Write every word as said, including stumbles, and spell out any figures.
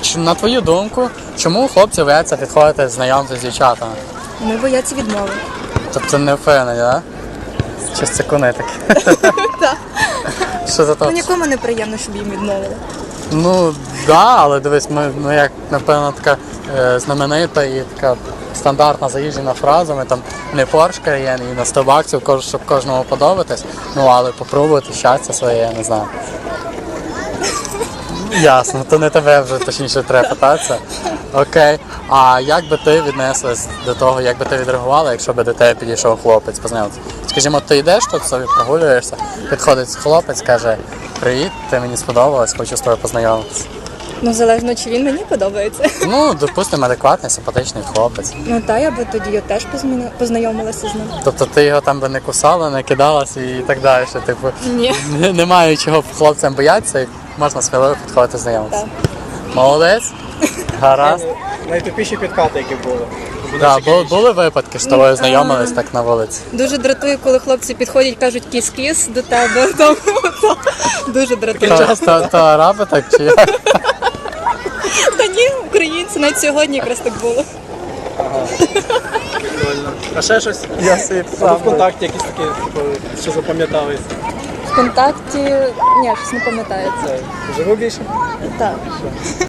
Ч- На твою думку, чому хлопці бояться підходити знайомитися з дівчатами? Ми бояться відмови. Тобто не впевнені, так? Чи це кони такі? Так. Що за Ну то? нікому не приємно, щоб їм відмовили. Ну, да, але дивись, ми, ну як, напевно, така е, знаменита і така стандартна заїжджена фраза, ми там не Porsche Cayenne і на сто баксів, кож- щоб кожному подобатись, ну але попробувати щастя своє, я не знаю. Ясно, то не тебе вже точніше треба питатися. Окей. А як би ти віднеслась до того, як би ти відреагувала, якщо би до тебе підійшов хлопець, познайомитися? Скажімо, ти йдеш тут, собі прогулюєшся, підходить хлопець, каже: привіт, ти мені сподобалась, хочу з тобою познайомитися. Ну залежно, чи він мені подобається. Ну, допустимо, адекватний, симпатичний хлопець. Ну та я би тоді я теж позміна- познайомилася з ним. Тобто ти його там би не кусала, не кидалась і так далі. що, Типу, Ні. н- немає чого хлопцям боятися, і можна сміливо підходити знайомитися. Так. Молодець. Гаразд. Найтупіші підкати, які були. Да, були, були випадки, що з тобою знайомились так на вулиці. Дуже дратує, коли хлопці підходять, кажуть кіс-кіс до тебе. Тому, то, дуже дратує. То, то, то араби так чи як? Та ні, українці, навіть сьогодні якраз так було. Прикольно. А ще щось? Я собі Або в контакті якісь такі, типу, що запам'ятались. В контакті, ні, щось не пам'ятається. Це живу більше? Так.